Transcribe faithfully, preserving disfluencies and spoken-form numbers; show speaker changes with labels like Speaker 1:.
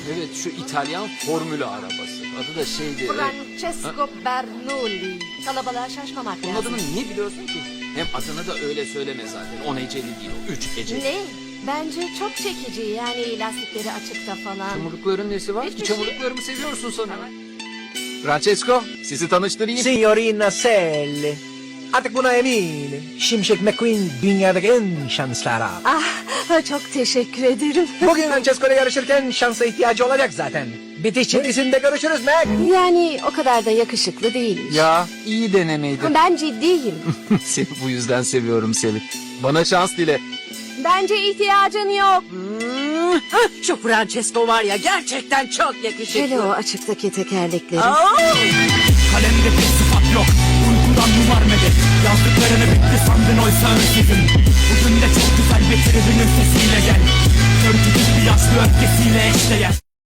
Speaker 1: Evet, şu İtalyan formülü arabası. Adı da şeydi...
Speaker 2: Francesco Bernoulli. Kalabalığa şaşmamak
Speaker 1: Bunun
Speaker 2: lazım.
Speaker 1: adını niye biliyorsun ki? Hem adını da öyle söyleme zaten. On heceli değil o. Üç heceli.
Speaker 2: Ne? Bence çok çekici, yani lastikleri açıkta falan.
Speaker 1: Çamurlukların nesi var?
Speaker 2: Hiçbir
Speaker 1: Çamurluklarımı seviyorsun sanırım. Francesco, sizi tanıştırayım.
Speaker 3: Signorina Sally. Artık buna eminim. Şimşek McQueen dünyadaki en şanslı araba.
Speaker 2: Ah, çok teşekkür ederim.
Speaker 3: Bugün Francesco ile yarışırken şansa ihtiyacı olacak zaten. Bitiş çizgisinde görüşürüz Mac.
Speaker 2: Yani o kadar da yakışıklı değilmiş.
Speaker 1: Ya, iyi denemeydi.
Speaker 2: Ben ciddiyim.
Speaker 1: Seni bu yüzden seviyorum Selin. Bana şans dile.
Speaker 2: Bence ihtiyacın yok.
Speaker 4: Hah, şu Francesco var ya gerçekten çok
Speaker 2: Hele
Speaker 4: yakışıklı.
Speaker 2: o açıktaki tekerlekleri.
Speaker 4: Aa!
Speaker 5: Kalemde bir sıfat yok, uykudan numar medet. Yazdıklarını bitti sandın oysa önsüzün. Bugün de çok güzel bir tribünün sesiyle gel. Körgücü bir yaşlı öfkesiyle eşdeğer.